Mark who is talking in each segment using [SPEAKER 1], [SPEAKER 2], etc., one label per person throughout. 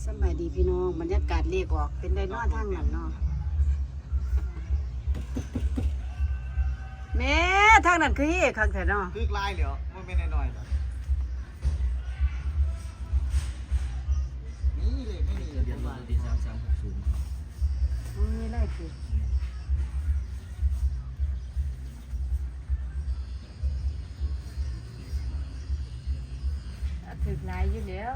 [SPEAKER 1] สบายดีพี่น้องบรรยากาศเรียกออกเป็นได้นอนทางนั้นเนาะแม่ทางนั้นคือเฮ่คักแท้เนาะ
[SPEAKER 2] คือลายเหลียวมันไม่แน่นอนนี่เลยไม่มีเดี๋ยวมาดี3360
[SPEAKER 1] มันมีอะไรคือถึกหลายอยู่แล้ว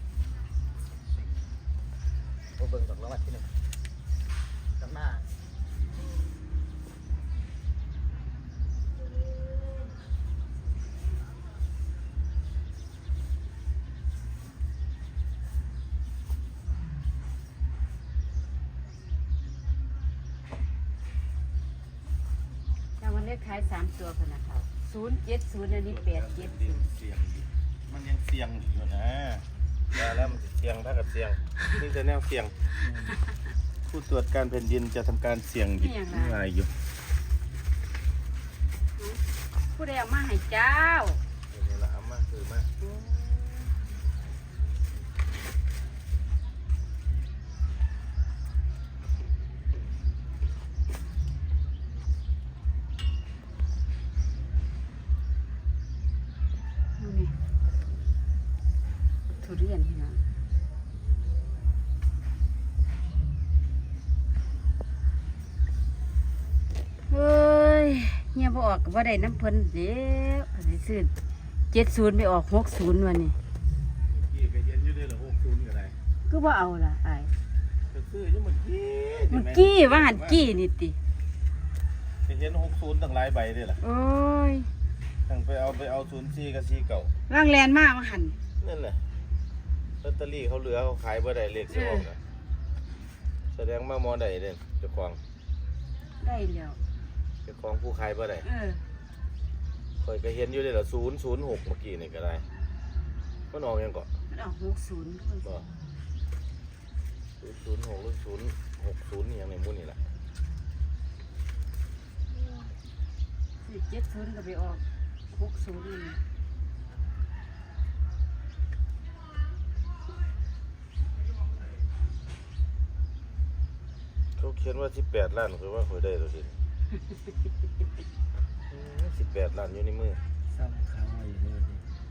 [SPEAKER 2] เบิ่งจากรางวัลที่1กับหน้าร
[SPEAKER 1] างวัลเลขท้าย3ตัวพนักเขา070อันนี้870
[SPEAKER 2] มันยังเสี่ยงอยู่นะแล้วมันเสี่ยงถ้ากับเสี่ยงนี่จะแนวเสี่ยงผู้ตรวจการแผ่นดินจะทำการเสี่ยงอยู่อะไรอยู่
[SPEAKER 1] ผู้ใดเอามาให้เจ้า
[SPEAKER 2] นี่ละเอามาคือมา
[SPEAKER 1] ทุเรียนพี่น้องเฮ้ยเงียบออกก็บ่ได้น้ำเพิ่นเดี๋ยวอันนี้ซื้อ70ไปออก60วันนี้
[SPEAKER 2] กี่ก็เย็นอยู่เลยเหรอ60ก็ได้
[SPEAKER 1] ก็บ่เอาล่ะอ้าย
[SPEAKER 2] ก็ซื้ออยู่เมื่อ
[SPEAKER 1] กี้ว่าหันกี้นี่ติ
[SPEAKER 2] เห็น60ตั้งหลายใบด้วยล่ะ
[SPEAKER 1] โอ้ย
[SPEAKER 2] ตั้งไปเอา04กับ4เก่า
[SPEAKER 1] ร่างแลนมาว่าหัน
[SPEAKER 2] นั่นแหละลอตเตอรี่เขาเหลือเขาขายบ่ได้เลขสิออกนะแสดงว่ามอได้เด้เจ้าของ
[SPEAKER 1] ได้แล้ว
[SPEAKER 2] เจ้าของผู้ขายบ่ได้ข่อยก็เห็นอยู่เลยล่ะ006เมื่อกี้นี่ก็ได้มันออกยังก่อน
[SPEAKER 1] มันออก60
[SPEAKER 2] บ่006หรือ060นี่ยังในหมู่นี่ล่ะ
[SPEAKER 1] 70ก็ไปออก60นี่
[SPEAKER 2] เขาเขียนว่า18ล้านคือว่าข่อยได้ตัวดิ18ล้านอยู่ในมือ
[SPEAKER 3] ซ้ำค้างไว้อยู่นี่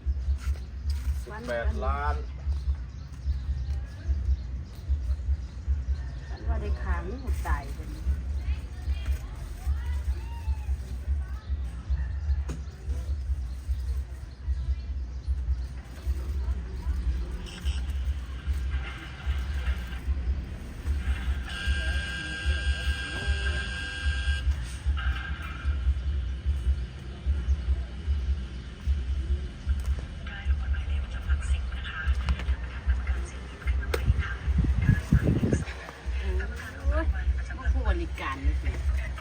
[SPEAKER 2] 18ล้าน
[SPEAKER 1] ฉันว่าได้ค้างหมดตายเป็นบริการนี่สิ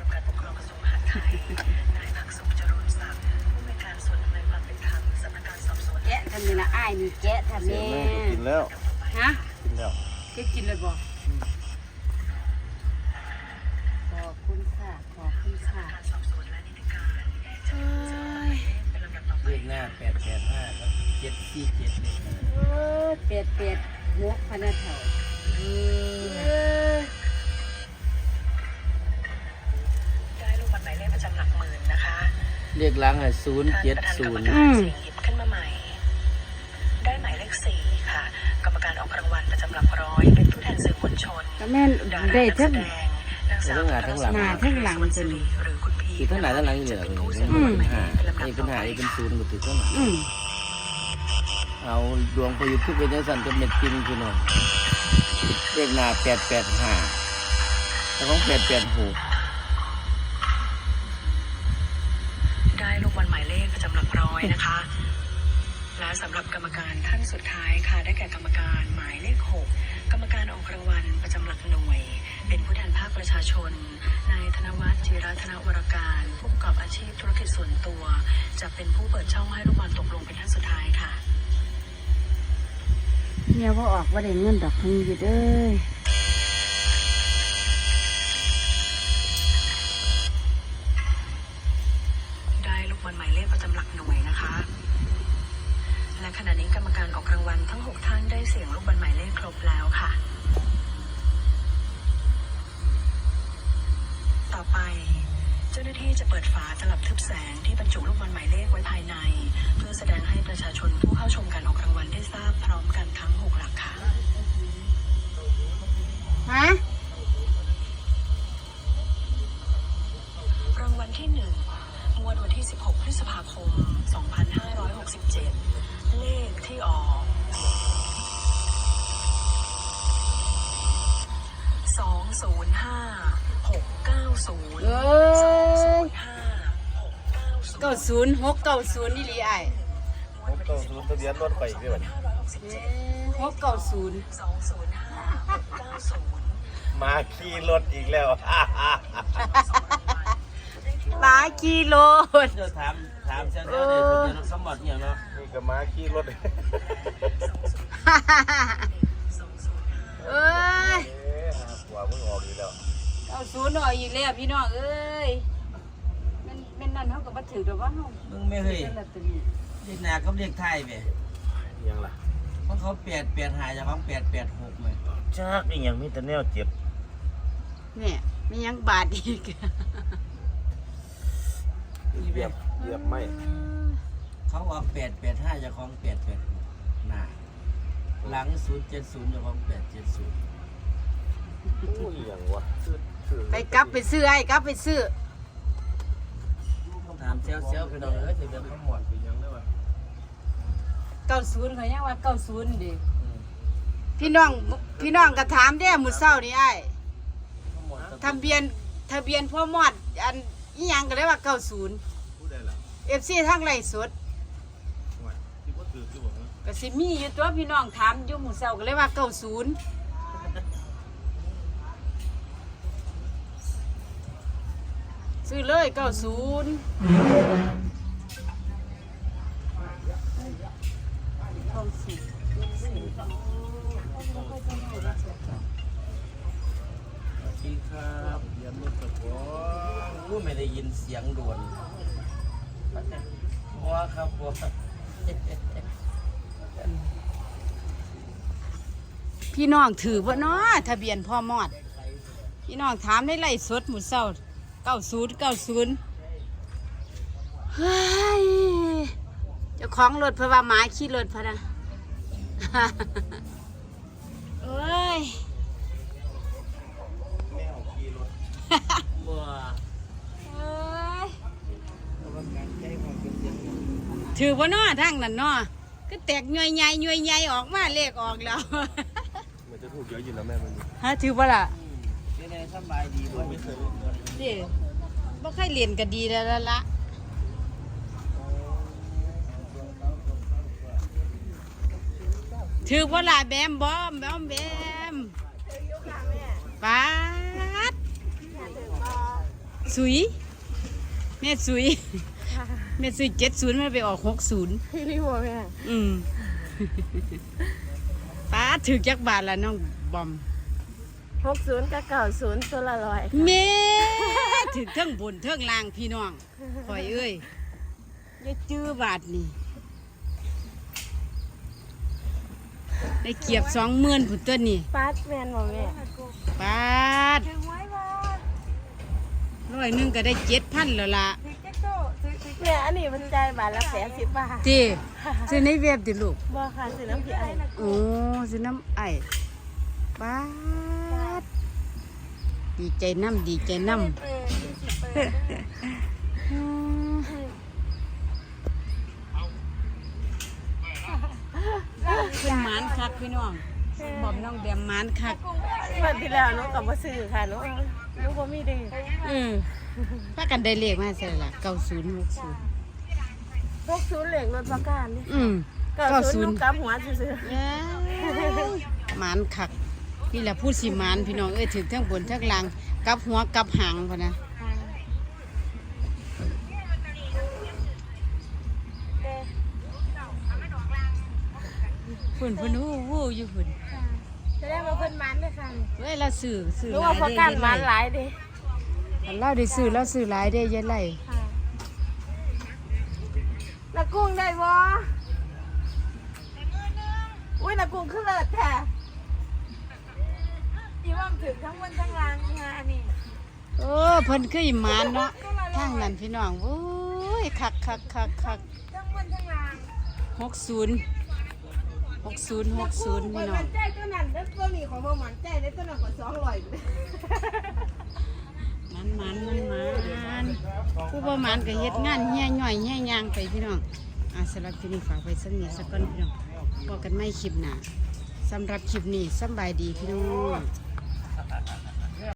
[SPEAKER 1] แกะทำนี่นะอ้ายนี่แกะทำนี่
[SPEAKER 2] กินแล้ว
[SPEAKER 1] ฮะ
[SPEAKER 2] กินแล้ว
[SPEAKER 1] แกกินเลยบ่ขอบคุณค่ะขอบคุณค่ะ
[SPEAKER 3] เลขหน้า885ครับ747
[SPEAKER 1] เป็ดหัวพนักเถ่า
[SPEAKER 3] เลขหลัง070
[SPEAKER 4] ขึ้นมาใหม่ได้หมายเลข4ค่ะกรรมการออกรางวัลประจำหลักร้อยเป็นผู้แทนสื่อมวลชน
[SPEAKER 1] ก็แม่นได้ทั้ง
[SPEAKER 3] ทั้งหน้าทั้งหลัง
[SPEAKER 1] ทั้งหลังมันจะมี
[SPEAKER 3] คือทั้งหน้าทั้งหลังอยู่เลยนี่เป็น5นี่เป็น0ก็ถือว่าเอาดวงประยุทธ์ขึ้นไปในสันจะเม็ดกินคือหน่อยเลขหน้า885แล้วของ886
[SPEAKER 4] ได้ลูกบอลหมายเลขประจำหลักร้อยนะคะและสำหรับกรรมการท่านสุดท้ายค่ะได้แก่กรรมการหมายเลข6กรรมการออกรางวัลประจำหลักหน่วยเป็นผู้แทนภาคประชาชนนายธนวัฒน์จิรัตนวรการผู้ประกอบอาชีพธุรกิจส่วนตัวจะเป็นผู้เปิดช่องให้ลูกบอลตกลงเป็นท่านสุดท้ายค่ะ
[SPEAKER 1] เนี่ยว่าออกว่าได้เงินดอกเพิ่งอยู่เด้อ
[SPEAKER 4] ได้ลูกบอลหมายเลขประจำหลักหน่วยนะคะ และขณะนี้กรรมการออกรางวัลทั้ง6ท่านได้เสี่ยงลูกบอลหมายเลขครบแล้วค่ะที่จะเปิดฝาตลับทึบแสงที่บรรจุลูกบอลหมายเลขไว้ภายใน เพื่อแสดงให้ประชาชนผู้เข้าชมการออกรางวัลได้ทราบพร้อมกันทั้ง 6 หลักค่ะ
[SPEAKER 1] ฮะ
[SPEAKER 4] รางวัลที่ 1 งวดวันที่ 16 พฤษภาคม 2567 เลขที่ออก 205-690
[SPEAKER 1] เอ้ย
[SPEAKER 4] 205-690
[SPEAKER 1] 90 นี่ลีไอ้
[SPEAKER 2] ผมต้องรู้ทะเบียนรถไปอีกด้วย
[SPEAKER 1] 690
[SPEAKER 2] มาขี่รถอีกแล้ว
[SPEAKER 1] หมากิโล
[SPEAKER 3] เดี๋ยวถามเจ้าเนี่ยคนจะสมบัติเนี่ยเนาะ
[SPEAKER 2] นี่ก็มาขี่รถ
[SPEAKER 1] เอ้ย
[SPEAKER 2] หาหัวมึงออกอีกแล้ว
[SPEAKER 1] 90หน่อยอีกแล้วพี่น้องเอ้ยมันนั่นเฮาก็บ่ถือดอกว่าเฮา
[SPEAKER 3] มึงไม่เฮ้ย
[SPEAKER 1] เป็นลอตเตอรี่
[SPEAKER 3] เรียกหนากับเรียกไทยไป
[SPEAKER 2] ยังล่ะ
[SPEAKER 3] เพราะเขา885จะของ886เลย
[SPEAKER 2] จักอีหยังมีแต่แนวเจ็บ
[SPEAKER 1] เนี่ยมียังบาทอีก
[SPEAKER 2] เหยียบไม่
[SPEAKER 3] เขาว่า885จะของ886หน้าหลัง070จะของ870
[SPEAKER 2] โอ้ยอย่างวะซื้อ
[SPEAKER 1] ไปกลับไปซื้อไอ้กลับไปซื้อ
[SPEAKER 3] ถามเซลไปหน่อยถึงจะทั้งหมด
[SPEAKER 2] ยังได้วะ
[SPEAKER 1] 90เขายังว่า90ดิพี่น้องก็ถามเด้มื้อเช้านี่ไอ้
[SPEAKER 3] ทั้งหมด
[SPEAKER 1] ทะเบียนพ่อมอดอันอีหยังก็เลยว่า90
[SPEAKER 2] ผู้ใดล่ะ
[SPEAKER 1] FC ทางไลฟ์สด
[SPEAKER 2] ว่าที่บ่ถือคือบ่ฮะ
[SPEAKER 1] ก็สิมีอยู่ตัวพี่น้องถามอยู่มื้อเช้าก็เลยว่า90ซื้อเลย90ทองสิ
[SPEAKER 3] ดีครับ
[SPEAKER 2] เรียนรถกับผม
[SPEAKER 3] กูไม่ได้ยินเสียงโดนว้าครับว้า
[SPEAKER 1] พี่น้องถือบ่เนาะทะเบียนพ่อมอด พี่น้องถามในไลฟ์สดมื้อเช้า90เฮ้ยเจ้าของรถเพราะว่าหมาขี่รถพะนะ เอ้ย
[SPEAKER 2] แมวขี่รถ
[SPEAKER 3] บัว
[SPEAKER 1] เอ้ย
[SPEAKER 3] กรรมการใจของเป็นเสียง
[SPEAKER 1] ถือบ่เนาะทางนั้นเนาะก็แตกย่อยใหญ่ออกมาเลขออกแล้ว
[SPEAKER 2] มันจะถูกเยอะอยู่นะแม่มัน
[SPEAKER 1] ฮะถือบ่ล่ะ
[SPEAKER 3] เป็นไงสบายดีบ่ไม่เคย
[SPEAKER 1] เด้บ่เคยเรียนก็ดีแล้วล่ะถือบ่ล่ะแบมบอมแบมป๊าดสุยแม่สุยแม่สุย70มันไปออก60
[SPEAKER 5] พี่รีโมแม่
[SPEAKER 1] ป้าถือจักบาทละน้องบอม
[SPEAKER 5] 60กับ90ตัวละ100ค่ะ
[SPEAKER 1] เม่ถือเทิงบนเทิงล่างพี่น้องคอยเอ้ยอย่าจื้อบาทนี่ได้เกียบ20,000ผุนตัวนี่
[SPEAKER 5] ฟาดแมนบ่แม่
[SPEAKER 1] ปาด100ก็ได้7,000แล้วล่ะ
[SPEAKER 5] แม่อันนี้มันจ่ายบาทละ80 บาท
[SPEAKER 1] ติซื้อในเว็บติลูก
[SPEAKER 5] บ่ค่ะซื้อน้ำพี่ไอ
[SPEAKER 1] โอ้ซื้อน้ำไอ้ปาดดีใจน้ำขึ้นหมานคักพี่น้องบอมน้องแบมหมานคัก
[SPEAKER 5] วันที่แล้วหนูก็บ่ซื้อค่ะหนูบ่มีเด้
[SPEAKER 1] พากันได้เลขมาใส่ละ90 60
[SPEAKER 5] 60เหล็กรถประกันนี่
[SPEAKER 1] 90
[SPEAKER 5] หนูกลับหัวซื่อ
[SPEAKER 1] เอ้ยหมานคักนี่แหละผู้สิหมานพี่น้องเอ้ยถึงทั้งบนทั้งล่างกลับหัวกลับหางพอนะฝุ่นวู้อยู่ฝุ่น
[SPEAKER 5] ๆจะได้มาเพิ่นมันเลยค่ะ
[SPEAKER 1] เว้ยเราซื้อ
[SPEAKER 5] หนูว่าประกันมันหลายเด้
[SPEAKER 1] เราได้ซื้อหลายได้ยันไร
[SPEAKER 5] ค่ะนักกุ้งได้บ่อุ้ยนักกุ้งคือเลิศแท้อีว่ามันถึงทั้งวันทั้งรางงานนี่
[SPEAKER 1] เพิ่นคือหมานเนาะ
[SPEAKER 5] ก็ละ
[SPEAKER 1] ทางนั้นพี่น้องโอ้ยคัก60พี่น้อง
[SPEAKER 5] ใจตัวนั้นแล้วตัวนี้ของบ่มันใจได้ตัวนั้นก็200
[SPEAKER 1] มันผู้ประมาณก็เฮ็ดงานแห่ย่อยแห่ยางไปพี่น้องสำหรับคลิปนี้ฝากไว้สักนิดสักก่อนพี่น้องพบกันไม่คลิปหน้าสำหรับคลิปนี้สำบายดีพี่น้อง